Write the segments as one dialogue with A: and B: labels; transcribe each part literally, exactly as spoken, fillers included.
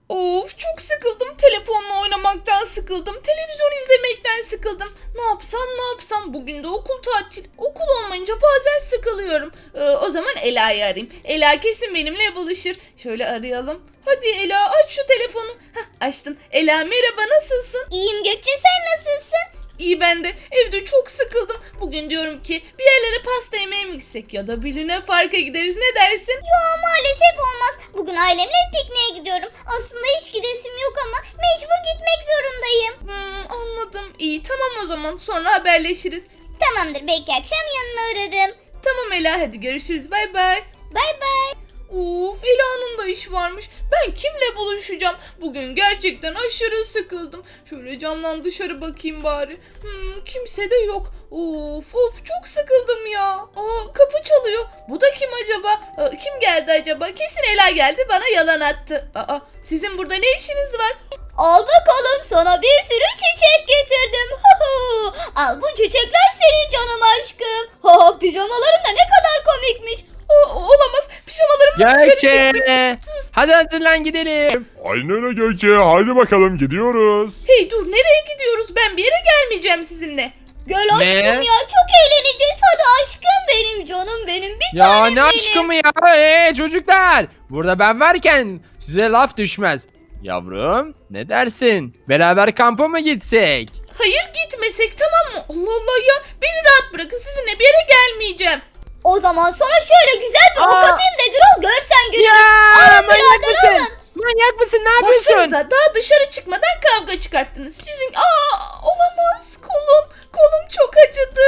A: Of, çok sıkıldım. Telefonla oynamaktan sıkıldım. Televizyon izlemekten sıkıldım. Ne yapsam ne yapsam. Bugün de okul tatil. Okul olmayınca bazen sıkılıyorum. Ee, o zaman Ela'yı arayayım. Ela kesin benimle buluşur. Şöyle arayalım. Hadi Ela, aç şu telefonu. Hah, açtım. Ela merhaba, nasılsın?
B: İyiyim Gökçe, sen nasılsın?
A: İyi, ben de. Evde çok sıkıldım. Bugün diyorum ki bir yerlere pasta yemeye mi gitsek ya da bir Luna Park'a gideriz, ne dersin?
B: Yo, maalesef olmaz. Bugün ailemle pikniğe gidiyorum. Aslında hiç gidesim yok ama mecbur gitmek zorundayım.
A: Hmm, anladım. İyi, tamam o zaman. Sonra haberleşiriz.
B: Tamamdır, belki akşam yanına uğrarım.
A: Tamam Ela, hadi görüşürüz. Bay bay.
B: Bay bay.
A: Of, Ela'nın da iş varmış. Ben kimle buluşacağım? Bugün gerçekten aşırı sıkıldım. Şöyle camdan dışarı bakayım bari. Hmm, kimse de yok. Of of, çok sıkıldım ya. Aa, kapı çalıyor. Bu da kim acaba? Aa, kim geldi acaba? Kesin Ela geldi, bana yalan attı. Aa, sizin burada ne işiniz var?
B: Al bakalım, sana bir sürü çiçek getirdim. Al, bu çiçekler senin canım aşkım. Pijamaların da ne kadar komikmiş.
A: O, olamaz. Pijamalarımla dışarı
C: Gökçe.
A: çıktım.
C: Hadi hazırlan gidelim.
D: Aynen öyle Gökçe. Haydi bakalım gidiyoruz.
A: Hey dur, nereye gidiyoruz? Ben bir yere gelmeyeceğim sizinle.
B: Gel
C: Ne?
B: aşkım ya, çok eğleneceğiz. Hadi aşkım benim, canım benim, bir
C: Ya
B: tanem
C: ne
B: benim.
C: aşkı mı ya? Ee, çocuklar. Burada ben varken size laf düşmez. Yavrum ne dersin? Beraber kampa mı gitsek?
A: Hayır, gitmesek, tamam mı? Allah Allah ya. Beni rahat bırakın, sizinle bir yere gelmeyeceğim.
B: O zaman sana şöyle güzel bir ok
C: Aa.
B: atayım da Gürol, görsen gününü.
C: Ya
B: Alın
C: manyak
B: birader,
C: mısın?
B: alın.
C: Manyak mısın? Ne yapıyorsun?
A: Baksanıza, daha dışarı çıkmadan kavga çıkarttınız. Sizin aa olamaz, kolum kolum çok acıdı.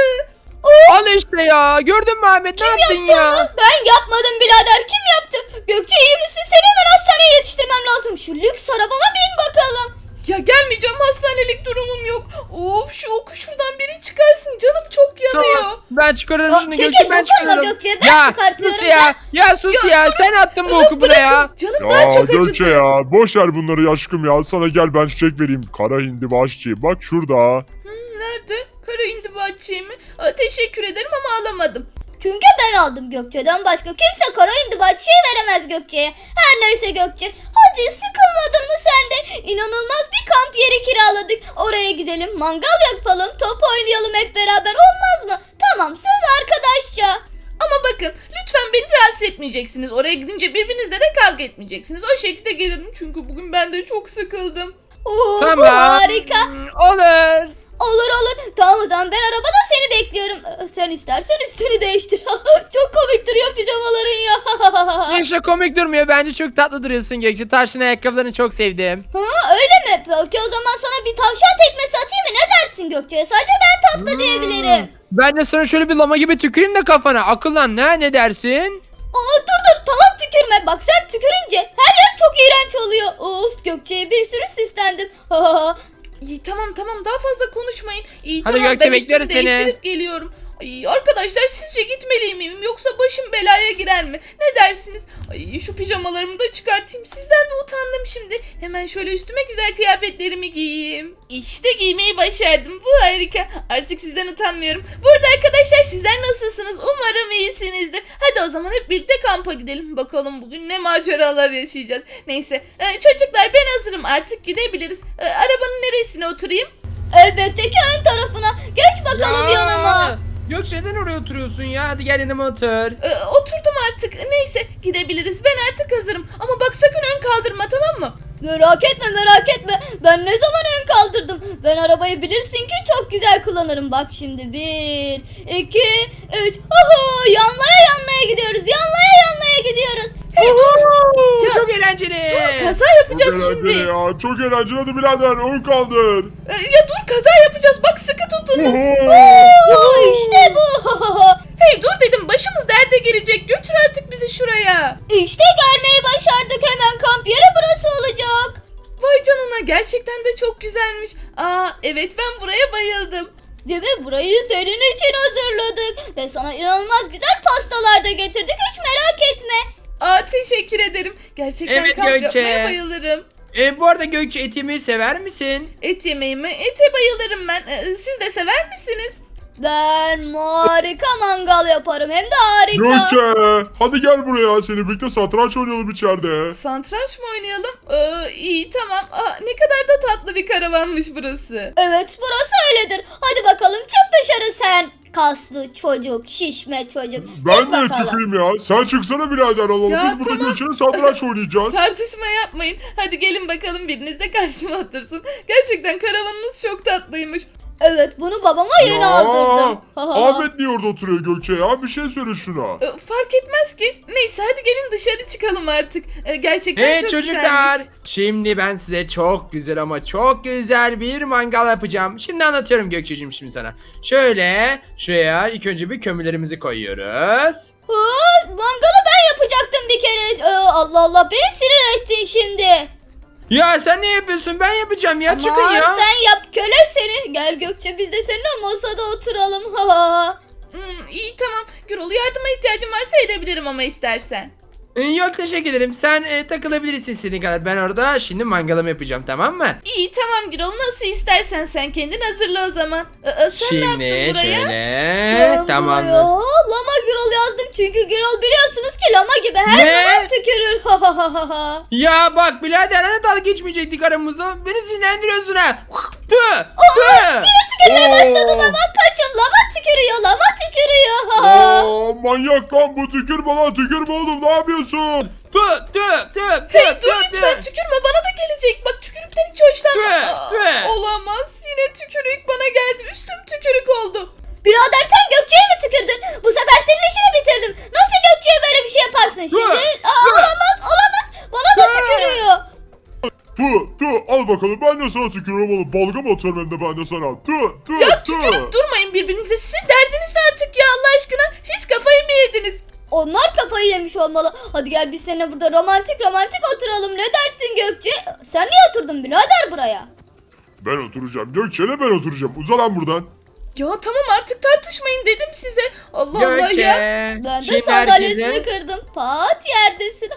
C: Al işte ya. Gördün mü Ahmet? Ne yaptın ya?
B: Ben yapmadım birader, kim yaptı? Gökçe, iyi misin? Seni hemen hastaneye yetiştirmem lazım. Şu lüks arabama bin bakalım.
A: Ya gelmeyeceğim, hastanelik durumum yok. Of, şu oku şuradan biri çıkarsın, canım çok yanıyor.
C: Tamam. Ben çıkarırım
B: Aa,
C: şunu
B: çekil,
C: Gökçe, ben
B: dokunma
C: çıkarırım.
B: Gökçe, ben
C: ya,
B: çıkartıyorum
C: sus ya. Ya sus ya. Sen attın bu oku buraya.
A: Bırakın, canım
D: Ya
A: daha çok
D: Gökçe
A: acıdı.
D: ya. Boş ver bunları aşkım ya. Sana gel ben çiçek vereyim. Kara hindibaşçı. Bak şurada.
A: Hmm, nerede? Kara indibatçıyı mı? Aa, teşekkür ederim ama alamadım.
B: Çünkü ben aldım Gökçe'den, başka kimse kara indibatçıyı veremez Gökçe'ye. Her neyse Gökçe, hadi sıkılmadın mı sen de? İnanılmaz bir kamp yeri kiraladık. Oraya gidelim, mangal yapalım, top oynayalım hep beraber, olmaz mı? Tamam, söz arkadaşça.
A: Ama bakın, lütfen beni rahatsız etmeyeceksiniz. Oraya gidince birbirinizle de kavga etmeyeceksiniz. O şekilde gelirim çünkü bugün ben de çok sıkıldım.
B: Oo,
C: Tamam.
B: bu harika.
C: Olur.
B: Olur olur. Tamam, o zaman ben arabada seni bekliyorum. Ee, Sen istersen üstünü değiştir. Çok komik duruyor pijamaların ya.
C: İşte komik durmuyor. Bence çok tatlı duruyorsun Gökçe. Tavşan ayakkabılarını çok sevdim.
B: Ha, öyle mi? Peki o zaman sana bir tavşan tekmesi atayım mı? Ne dersin Gökçe? Sadece ben tatlı diyebilirim.
C: Ben de sana şöyle bir lama gibi tüküreyim de kafana. Akıllan ne? Ne dersin?
B: Aa, dur dur, tamam tükürme. Bak, sen tükürünce her yer çok iğrenç oluyor. Of, Gökçe'ye bir sürü süslendim.
A: İyi, tamam tamam, daha fazla konuşmayın. İyi,
C: Hadi
A: tamam,
C: Gökçe,
A: ben üstümü
C: bekleriz seni.
A: değiştirip geliyorum. Ay, arkadaşlar, sizce gitmeli miyim yoksa başım belaya girer mi? Ne dersiniz? Ay, şu pijamalarımı da çıkartayım. Sizden de utandım şimdi. Hemen şöyle üstüme güzel kıyafetlerimi giyeyim. İşte giymeyi başardım. Bu harika. Artık sizden utanmıyorum. Bu arada arkadaşlar, sizler nasılsınız? Umarım iyisinizdir. Hadi o zaman hep birlikte kampa gidelim. Bakalım bugün ne maceralar yaşayacağız. Neyse e, çocuklar, ben hazırım. Artık gidebiliriz. E, arabanın neresine oturayım?
B: Elbette ki ön tarafına. Geç bakalım yanıma.
C: Gökçe neden oraya oturuyorsun ya? Hadi gel yanıma otur.
A: Ee, oturdum artık. Neyse, gidebiliriz. Ben artık hazırım. Ama bak, sakın ön kaldırma, tamam mı?
B: Merak etme merak etme. Ben ne zaman ön kaldırdım? Ben arabayı bilirsin ki çok güzel kullanırım. Bak şimdi, bir, iki, üç. Oho, yanlaya yanlaya gidiyoruz. Yanlaya yanlaya gidiyoruz.
A: Hey dur. Ya,
C: Çok eğlenceli.
A: dur, kaza
D: Çok
A: yapacağız
D: eğlenceli
A: şimdi.
D: ya. Çok eğlenceli. Hadi birader ön kaldır.
A: Ee, ya dur, kaza yapacağız. Bak, sıkı tutun.
B: Oo, işte bu.
A: Hey dur dedim, başımız derde girecek. Götür artık bizi şuraya.
B: İşte gelmeyi başardık. Hemen kamp yeri burası olacak.
A: Vay canına, gerçekten de çok güzelmiş. Aa evet, ben buraya bayıldım.
B: Değil mi? Burayı senin için hazırladık. Ve sana inanılmaz güzel pastalar da getirdik. Hiç merak etme.
A: Aa, teşekkür ederim. Gerçekten
C: Evet,
A: kamp
C: Gökçe.
A: yapmaya bayılırım.
C: E, bu arada Gökçe, et yemeyi sever misin?
A: Et yemeği mi? Ete bayılırım ben. Ee, siz de sever misiniz?
B: Ben harika mangal yaparım hem de harika.
D: Gökçe hadi gel buraya. Seni birlikte satranç oynayalım içeride.
A: Satranç mı oynayalım? Ee, iyi tamam. Aa, ne kadar da tatlı bir karavanmış burası.
B: Evet burası öyledir. Hadi bakalım çık dışarı sen. Kaslı çocuk, şişme çocuk.
D: Ben
B: Çık
D: niye
B: bakalım.
D: çıkayım ya? Sen çıksana birader alalım.
A: Ya,
D: Biz burada
A: tamam.
D: Gökçe'yle satranç oynayacağız.
A: Tartışma yapmayın. Hadi gelin bakalım biriniz de karşıma otursun. Gerçekten karavanınız çok tatlıymış.
B: Evet bunu babama yeni
D: Ya,
B: aldırdım.
D: Ahmet niye orada oturuyor Gökçe ya? Bir şey söyle şuna.
A: Ee, fark etmez ki. Neyse hadi gelin dışarı çıkalım artık. Ee, gerçekten
C: Hey
A: çok
C: çocuklar.
A: güzelmiş.
C: Şimdi ben size çok güzel ama çok güzel bir mangal yapacağım. Şimdi anlatıyorum Gökçe'cim şimdi sana. Şöyle şuraya ilk önce bir kömürlerimizi koyuyoruz.
B: Aa, mangalı ben yapacaktım bir kere. Ee, Allah Allah beni sinir ettin şimdi.
C: Ya sen ne yapıyorsun? Ben yapacağım ya. Çıkın
B: Aman
C: ya.
B: sen yap köle seni. Gel Gökçe biz de seninle masada oturalım. Ha, ha, ha.
A: Hmm, iyi tamam. Gürol yardıma ihtiyacım varsa edebilirim ama istersen.
C: Ee, Yok teşekkür ederim. Sen e, takılabilirsin istediğin kadar. Ben orada şimdi mangalımı yapacağım, tamam mı?
A: İyi tamam Gürol nasıl istersen sen kendin hazırla o zaman. Ee, sen ne
C: Şimdi
A: yaptın buraya?
C: şöyle.
B: Ben
C: Tamamdır.
B: buraya Lama Gürol yazdım çünkü Gürol biliyorsunuz ki lama gibi her
C: Ne?
B: zaman tükürür. Ha, ha, ha, ha, ha.
C: Ya bak birader hani dalga geçmeyecektik aramızda. Beni sinirlendiriyorsun ha. Tüh. Tüh.
B: Tükürmeye başladı
D: Oo.
B: lama kaçın lama tükürüyor lama tükürüyor. Ha, ha.
D: Aa, manyak lan bu, tükürme lan, tükürme oğlum, ne yapıyorsun?
C: Tüh. Tüh. Tüh.
A: Hey
C: Tüh.
A: dur
C: Tüh.
A: lütfen
C: Tüh.
A: tükürme bana da gelecek. Bak tükürükten hiç hoşlanmam.
C: Tüh,
A: Aa,
C: tüh.
A: Olamaz yine tükürük bana geldi. Üstüm tükürük oldu.
B: Birader sen Gökçe'ye mi tükürdün? Bu sefer senin işini bitirdim. Nasıl Gökçe'ye böyle bir şey yaparsın şimdi? Aa, olamaz olamaz. Bana da tükürüyor.
D: Tüh tüh, al bakalım, ben de sana tükürüyorum oğlum, balgam atıyorum hem de ben de sana. Tüh tüh
A: Ya
D: tüh.
A: tükürüp durmayın birbirinize. Sizin derdiniz ne artık ya Allah aşkına. Siz kafayı mı yediniz?
B: Onlar kafayı yemiş olmalı. Hadi gel biz seninle burada romantik romantik oturalım. Ne dersin Gökçe? Sen niye oturdun birader buraya?
D: Ben oturacağım Gökçe'yle, ben oturacağım, uza lan buradan.
A: Ya tamam artık tartışmayın dedim size. Allah Allah
C: Gökçe.
A: ya.
B: Ben de
C: Şimdi
B: sandalyesini
C: herkese-
B: kırdım. Pat yerdesin.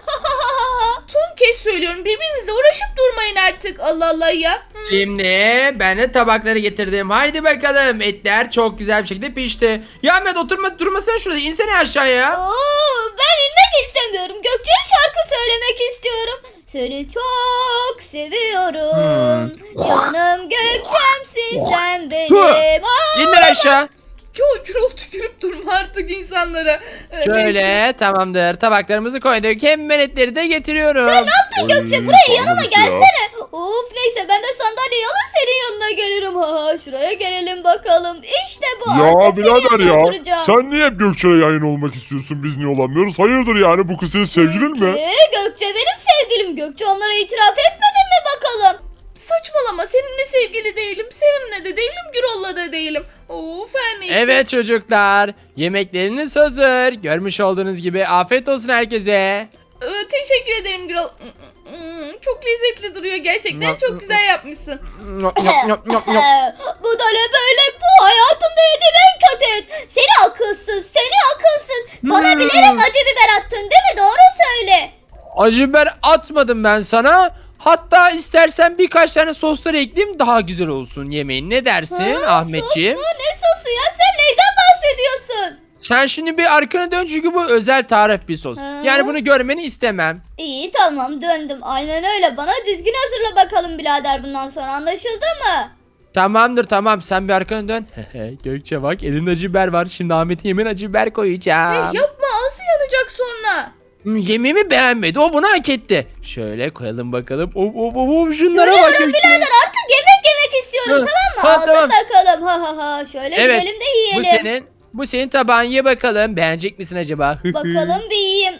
A: Son kez söylüyorum birbirinizle uğraşıp durmayın artık. Allah Allah ya. Hı.
C: Şimdi ben de tabakları getirdim. Haydi bakalım. Etler çok güzel bir şekilde pişti. Ya Ahmet oturma durmasana şurada. İnsene aşağıya.
B: Oo, ben inmek istemiyorum. Gökçe'ye şarkı söylemek istiyorum. Seni çok seviyorum. Canım Gökçemsin sen benim. Aa,
C: İnler aşağı.
A: Yo Gürol tükürüp durma artık insanlara. Ee, neyse.
C: Şöyle tamamdır. Tabaklarımızı koyduk. Hemen etleri de getiriyorum.
B: Ne yaptın Gökçe?
D: Ay,
B: Buraya yanıma
D: tanrım ya.
B: gelsene. Of neyse ben de sandalyeyi alır senin yanına gelirim. Ha, şuraya gelelim bakalım. İşte bu
D: Ya
B: artık senin
D: birader
B: yanına
D: ya,
B: oturacağım.
D: sen niye hep Gökçe'yle yan yana olmak istiyorsun, biz niye olamıyoruz? Hayırdır yani, bu kız senin sevgilin mi?
B: Ee, Gökçe benim sevgilim. Gökçe onlara itiraf etmedin mi bakalım?
A: Saçmalama seninle sevgili değilim. Seninle de değilim Gürol'la da değilim. Of her neyse.
C: Evet çocuklar. Yemekleriniz hazır. Görmüş olduğunuz gibi afiyet olsun herkese.
A: Ee, teşekkür ederim Gürol. Hmm, çok lezzetli duruyor gerçekten. Çok güzel yapmışsın.
C: Nyop, nyop, nyop, nyop, nyop.
B: Ee, bu da ne böyle? Bu hayatımda yediğim en kötü et. Seni akılsız, seni akılsız. Bana
C: Hmm.
B: bilerek acı biber attın değil mi? Doğru söyle.
C: Acı biber atmadım ben sana. Hatta istersen birkaç tane soslar ekleyeyim daha güzel olsun yemeğin. Ne dersin
B: Ha,
C: Ahmetciğim?
B: Sos mu? Ne sosu ya? Sen neyden bahsediyorsun?
C: Sen şimdi bir arkana dön çünkü bu özel tarif bir sos.
B: Ha.
C: Yani bunu görmeni istemem.
B: İyi tamam döndüm. Aynen öyle. Bana düzgün hazırla bakalım birader bundan sonra. Anlaşıldı mı?
C: Tamamdır tamam sen bir arkana dön. Gökçe bak elinde acı biber var. Şimdi Ahmet'e yemin acı biber koyacağım.
A: Hey, yapma ağzı yanacak sonra.
C: Hmm, Yemeğimi beğenmedi. O bunu hak etti. Şöyle koyalım bakalım. Of of of, of şunlara bak.
B: Görüyorum
C: Gökçe.
B: birader artık yemek yemek istiyorum
C: Hı.
B: tamam mı?
C: Ha,
B: Aldım
C: tamam.
B: bakalım. Ha ha ha. Şöyle
C: Evet,
B: gidelim de yiyelim.
C: Bu senin. Bu senin tabağın ye bakalım. Beğenecek misin acaba?
B: Bakalım bir yiyeyim.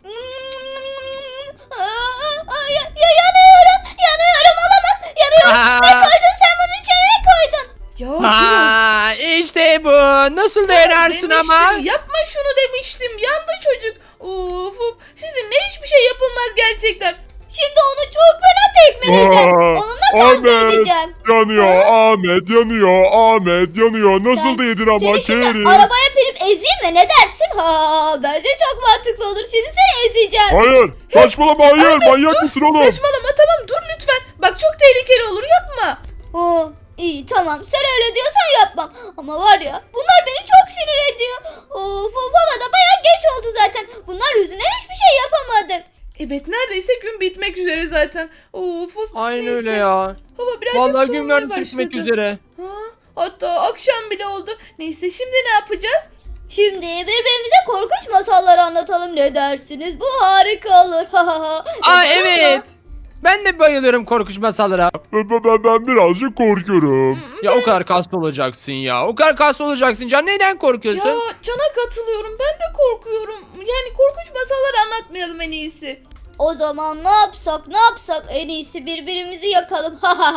B: Aa, aa, ya, ya, yanıyorum. Yanıyorum olamaz. Yanıyorum. Ne koydun sen bunun içine ne koydun?
A: Ya Gürol.
C: Ha, işte bu. Nasıl dayanarsın
A: Demiştim,
C: ama?
A: yapma şunu demiştim. Yandı çocuk. Of of. Sizinle hiçbir şey yapılmaz gerçekten.
B: Şimdi onu çok fena tekmeleyeceğim.
D: Aa,
B: Onunla kavga
D: Ahmet
B: edeceğim.
D: yanıyor, Ahmet yanıyor, Ahmet yanıyor. Nasıl da yedin ama
B: Seni şimdi
D: keriz.
B: arabaya binip ezeyim mi? Ne dersin? Ha, bence çok mantıklı olur. Şimdi seni ezeceğim.
D: Hayır, saçmalama, hayır, manyak mısın oğlum?
A: Saçmalama tamam dur lütfen. Bak çok tehlikeli olur yapma.
B: Oh, İyi tamam sen öyle diyorsan yapmam. Ama var ya bunlar beni çok sinir ediyor. Of of hava da baya geç oldu zaten. Bunlar yüzünden hiçbir şey yapamadık.
A: Evet neredeyse gün bitmek üzere zaten. Of of.
C: Aynen
A: neyse.
C: öyle ya.
A: Hava birazcık
C: Vallahi
A: soğumaya
C: gün neredeyse
A: başladı.
C: bitmek üzere.
A: Ha, hatta akşam bile oldu. Neyse şimdi ne yapacağız?
B: Şimdi birbirimize korkunç masalları anlatalım ne dersiniz? Bu harika olur.
C: Aa evet. Ben de bayılıyorum korkunç masallara.
D: Ben, ben, ben birazcık korkuyorum.
C: Ya o kadar kaslı olacaksın ya. O kadar kaslı olacaksın Can. Neden korkuyorsun?
A: Ya Can'a katılıyorum. Ben de korkuyorum. Yani korkunç masallar anlatmayalım en iyisi.
B: O zaman ne yapsak ne yapsak en iyisi birbirimizi yakalım.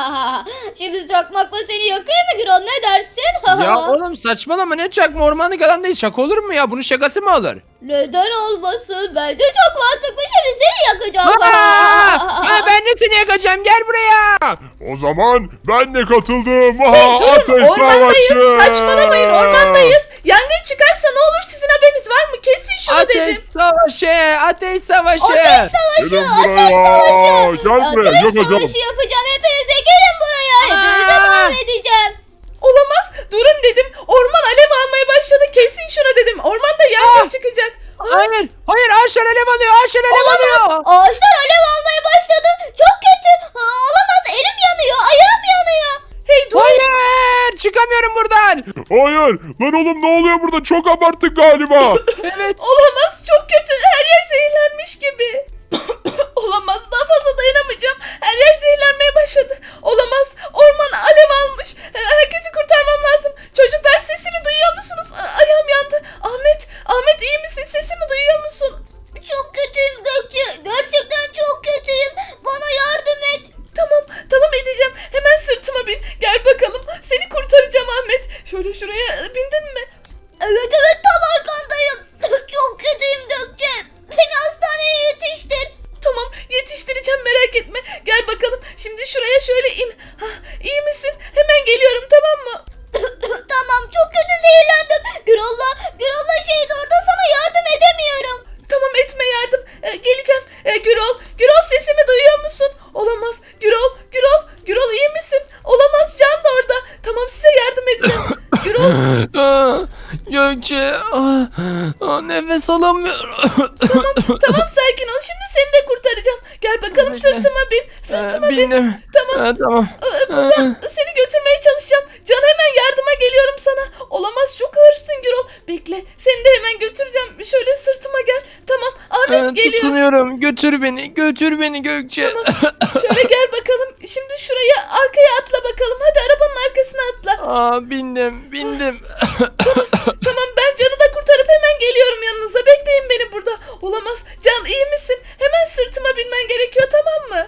B: Şimdi çakmakla seni yakayım mı Gürol ne dersin?
C: Ya oğlum saçmalama ne çakma ormanlık alandayız. Şaka olur mu ya? Bunun şakası mı olur?
B: Neden olmasın? Bence çok mantıklı şimdi seni yakacağım.
C: Aa! Ha, ben de seni yakacağım. Gel buraya.
D: O zaman ben de katıldım.
A: Hey
D: Aha,
A: durun
D: ateş
A: ormandayız.
D: savaşı.
A: Saçmalamayın ormandayız. Yangın çıkarsa ne olur sizin haberiniz var mı? Kesin şunu
C: Ateş
A: dedim.
C: savaşı. Ateş savaşı.
B: Ateş savaşı,
D: Gelin
B: ateş
D: buraya.
B: savaşı.
D: Gel buraya,
B: Ateş
D: yakacağım.
B: savaşı yapacağım hepinize gelin buraya. Hepinize
C: Aa!
B: mahvedeceğim.
A: Olamaz. Durun dedim. Orman alev almaya başladı. Kesin şunu dedim. Ormanda yangın çıkacak.
C: Hayır. Hayır ağaçlar alev alıyor. Ağaçlar alev alıyor.
B: Ağaçlar alev almaya başladı. Çok kötü. Ha, olamaz elim yanıyor, ayağım yanıyor.
A: Hey dur.
C: Hayır. Çıkamıyorum buradan.
D: Hayır. Lan oğlum ne oluyor burada? Çok abarttık galiba.
C: Evet.
A: Olamaz. Çok kötü. Her yer zehirlenmiş gibi. Olamaz. Daha fazla dayanamayacağım. Her yer zehirlenmeye başladı. Olamaz. Orman alev almış. Herkesi kurtarmam lazım. Çocuklar sesimi duyuyor musunuz? A- Ayağım yandı. Ahmet. Ahmet iyi misin? Sesimi duyuyor musun?
B: Çok kötüyüm Gökçe. Gerçekten çok kötüyüm. Bana yardım et.
A: Tamam. Tamam edeceğim. Hemen sırtıma bin. Gel bakalım. Seni kurtaracağım Ahmet. Şöyle şuraya bindin mi?
B: Evet evet tam arkandayım. Çok kötüyüm Gökçe. Beni hastaneye yetiştir.
A: Tamam yetiştireceğim merak etme. Gel bakalım. Şimdi şuraya şöyle in. Hah, iyi misin? Hemen geliyorum tamam mı?
B: Tamam çok kötü zehirlendim. Gürolla, Gürolla şeydi orada sana yardım edemiyorum.
A: Tamam etme yardım. Ee, geleceğim. Ee, Gürol. Gürol sesimi duyuyor musun? Olamaz. Gürol. Gürol. Gürol iyi misin? Olamaz Can da orada. Tamam size yardım edeceğim. Gürol.
C: Aa, Gökçe. Aa, aa, nefes alamıyorum.
A: Tamam sakin ol. Şimdi seni de kurtaracağım. Gel bakalım sırtıma bin. Sırtıma
C: Ee,
A: bin.
C: Bindim.
A: Tamam.
C: Ee, tamam.
A: Ee, Buradan seni götürmeye çalışacağım. Can hemen yardıma geliyorum sana. Olamaz çok ağırsın Gürol. Bekle seni de hemen götüreceğim. Şöyle sırtıma gel. Tamam Ahmet
C: Ee,
A: geliyor.
C: tutunuyorum. Götür beni. Götür beni Gökçe.
A: Şöyle gel bakalım. Şimdi şuraya arkaya atla bakalım. Hadi arabanın arkasına atla.
C: Aa, bindim. Bindim.
A: Tamam ben Can'ı da kurtarıp hemen geliyorum yanınıza. Bekleyin beni burada. Olamaz. Can iyi misin? Hemen sırtıma binmen gerekiyor tamam mı?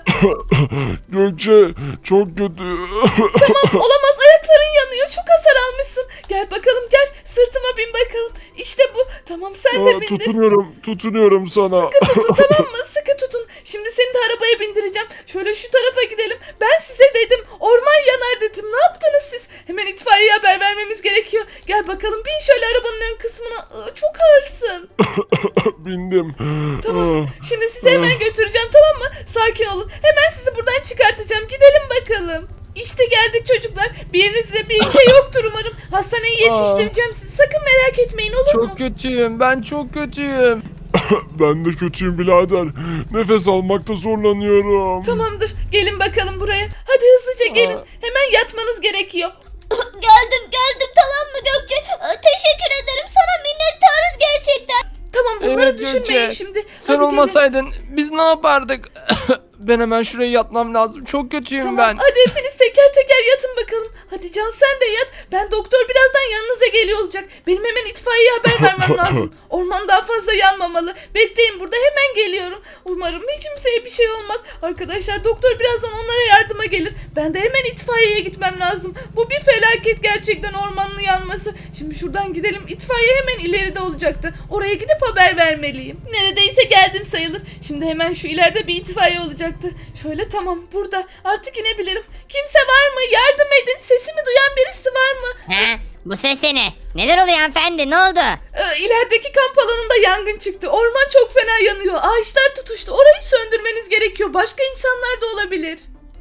D: Gökçe çok kötü.
A: Tamam olamaz ayakların yanıyor. Çok hasar almışsın. Gel bakalım gel. Sırtıma bin bakalım. İşte bu. Tamam sen de
D: Aa,
A: bindin.
D: tutunuyorum. Tutunuyorum sana.
A: Sıkı tutun tamam mı? Sıkı tutun. Şimdi seni de arabaya bindireceğim. Şöyle şu tarafa gidelim. Ben size dedim. Orman yanar dedim. Ne yaptınız siz? Hemen itfaiyeye haber vermemiz gerekiyor. Gel bakalım bin şöyle arabanın ön kısmına. Aa, çok ağırsın.
D: Bindim.
A: Tamam. Şimdi sizi hemen götüreceğim tamam mı? Sakin olun. Hemen sizi buradan çıkartacağım. Gidelim bakalım. İşte geldik çocuklar. Bir yerinizde bir şey yoktur umarım. Hastaneye yetiştireceğim sizi. Sakın merak etmeyin olur mu?
C: Çok kötüyüm. Ben çok kötüyüm.
D: Ben de kötüyüm birader. Nefes almakta zorlanıyorum.
A: Tamamdır. Gelin bakalım buraya. Hadi hızlıca gelin.
C: Aa.
A: Hemen yatmanız gerekiyor.
B: Geldim geldim tamam mı Gökçe? Ee, Teşekkür ederim sana minnettarız gerçekten.
A: Tamam bunları
C: Evet,
A: düşünmeyin
C: Gökçe.
A: şimdi.
C: Sen
A: Hadi gelin.
C: olmasaydın biz ne yapardık? Ben hemen şuraya yatmam lazım. Çok kötüyüm
A: Tamam
C: ben.
A: hadi hepiniz teker teker yatın bakalım. Hadi Can sen de yat. Ben doktor birazdan yanınıza geliyor olacak. Benim hemen itfaiyeye haber vermem lazım. Orman daha fazla yanmamalı. Bekleyin burada hemen geliyorum. Umarım hiç kimseye bir şey olmaz. Arkadaşlar doktor birazdan onlara yardıma gelir. Ben de hemen itfaiyeye gitmem lazım. Bu bir felaket gerçekten ormanın yanması. Şimdi şuradan gidelim. İtfaiye hemen ileride olacaktı. Oraya gidip haber vermeliyim. Neredeyse geldim sayılır. Şimdi hemen şu ileride bir itfaiye olacaktı. Şöyle tamam burada. Artık inebilirim. Kimse var mı? Yardım edin. Sesimi duyan birisi var mı?
E: He? Bu ses ne? Neler oluyor hanımefendi? Ne oldu?
A: Ee, ilerideki kamp alanında yangın çıktı. Orman çok fena yanıyor. Ağaçlar tutuştu. Orayı söndürmeniz gerekiyor. Başka insanlar da olabilir.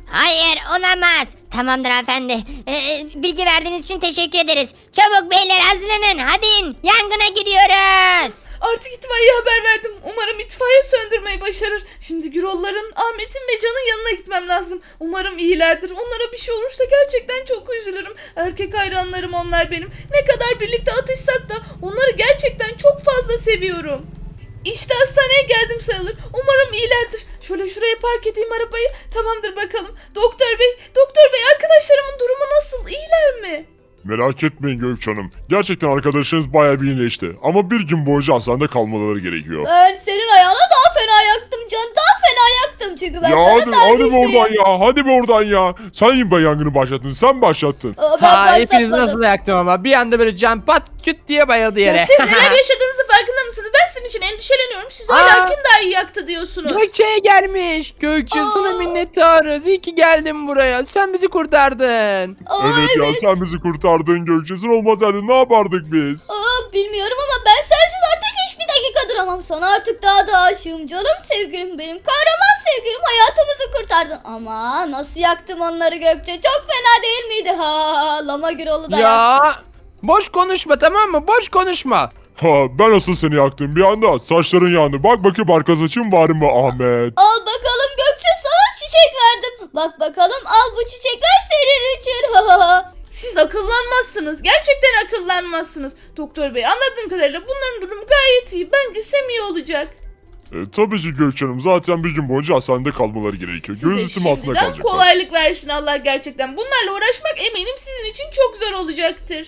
E: Hayır olamaz. Tamamdır hanımefendi. Ee, bilgi verdiğiniz için teşekkür ederiz. Çabuk beyler hazırlanın. Hadi in. Yangına gidiyoruz.
A: Artık itfaiyeye haber verdim. Umarım itfaiye söndürmeyi başarır. Şimdi Gürolların, Ahmet'in ve Can'ın yanına gitmem lazım. Umarım iyilerdir. Onlara bir şey olursa gerçekten çok üzülürüm. Erkek hayranlarım onlar benim. Ne kadar birlikte atışsak da onları gerçekten çok fazla seviyorum. İşte hastaneye geldim sayılır. Umarım iyilerdir. Şöyle şuraya park edeyim arabayı. Tamamdır bakalım. Doktor bey, doktor bey arkadaşlarımın durumu nasıl? İyiler mi?
D: Merak etmeyin Gökçe Hanım. Gerçekten arkadaşınız bayağı bir iyileşti. Ama bir gün boyunca hastanede kalmaları gerekiyor.
B: Ben senin ayağına daha fena yaktım Can. Daha fena yaktım çünkü ben
D: Ya
B: sana
D: hadi,
B: daha
D: hadi be
B: güçlüyüm.
D: oradan ya. Hadi be oradan ya. Sen be yangını başlattın. Sen başlattın.
B: Aa, ben
C: Ha hepiniz
B: başlatmadım.
C: nasıl yaktım ama bir anda böyle can pat küt diye bayıldı yere.
A: Ya siz neler yaşadığınızı farkında mısınız? Ben sizin için endişeleniyorum. Siz hala
C: Aa.
A: kim daha iyi yaktı diyorsunuz.
C: Gökçe'ye gelmiş. Gökçe sana
A: Aa.
C: minnettarız. İyi ki geldin buraya. Sen bizi kurtardın.
B: Aa,
D: Evet, ya sen bizi kurtardın Gökçe. Sen olmasaydın ne yapardık biz?
B: Aa, bilmiyorum ama ben sensiz artık hiçbir dakika duramam. Sana artık daha da aşığım canım sevgilim benim. Kahraman sevgilim hayatımızı kurtardın. Ama nasıl yaktım onları Gökçe. Çok fena değil miydi? Ha, Lama Gürol'u da yaktım.
C: Ya boş konuşma tamam mı? Boş konuşma.
D: Ha, ben asıl seni yaktım bir anda. Saçların yandı. Bak bakayım arka saçın var mı Ahmet?
B: Al bakalım Gökçe sana çiçek verdim. Bak bakalım al bu çiçekler senin için. Ha, ha, ha.
A: Siz akıllanmazsınız. Gerçekten akıllanmazsınız. Doktor bey anladığım kadarıyla bunların durumu gayet iyi. Ben gitsem iyi olacak.
D: E, tabii ki Gökçe Hanım. Zaten bir gün boyunca hastanede kalmaları gerekiyor.
A: Size
D: Gözetim altında
A: şimdiden
D: kalacaklar.
A: kolaylık versin Allah gerçekten. Bunlarla uğraşmak eminim sizin için çok zor olacaktır.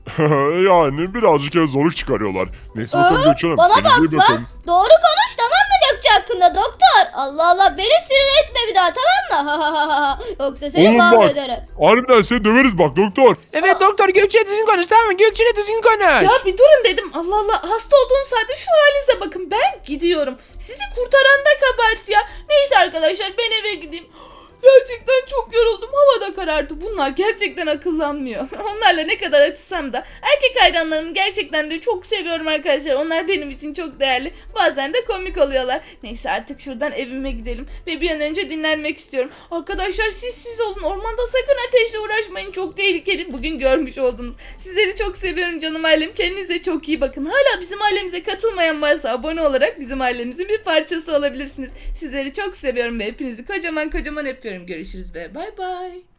D: Yani birazcık ya zorluk çıkarıyorlar. Neyse bakalım
B: Aa,
D: Gökçe Hanım.
B: bana
D: kendinize iyi
B: bak
D: bakın.
B: lan. Doğru konuş tamam mı Gökçe hakkında doktor? Allah Allah beni sinir etme bir daha tamam mı? Yoksa seni
D: Oğlum bak.
B: mahvederim.
D: Harbiden seni döveriz bak doktor.
C: Evet doktor Gökçe'ye düzgün konuş tamam mı? Gökçe'yle düzgün konuş.
A: Ya bir durun dedim. Allah Allah hasta olduğunuz halde şu halinize bakın. Ben gidiyorum. Sizi kurtaran da kabahat ya. Neyse arkadaşlar ben eve gideyim. Gerçekten çok yoruldum. Hava da karardı. Bunlar gerçekten akıllanmıyor. Onlarla ne kadar atışsam da. Erkek hayranlarımı gerçekten de çok seviyorum arkadaşlar. Onlar benim için çok değerli. Bazen de komik oluyorlar. Neyse artık şuradan evime gidelim. Ve bir an önce dinlenmek istiyorum. Arkadaşlar siz siz olun. Ormanda sakın ateşle uğraşmayın. Çok tehlikeli. Bugün görmüş oldunuz. Sizleri çok seviyorum canım ailem. Kendinize çok iyi bakın. Hala bizim ailemize katılmayan varsa abone olarak bizim ailemizin bir parçası olabilirsiniz. Sizleri çok seviyorum ve hepinizi kocaman kocaman öpüyorum. Görüşürüz ve bay bay.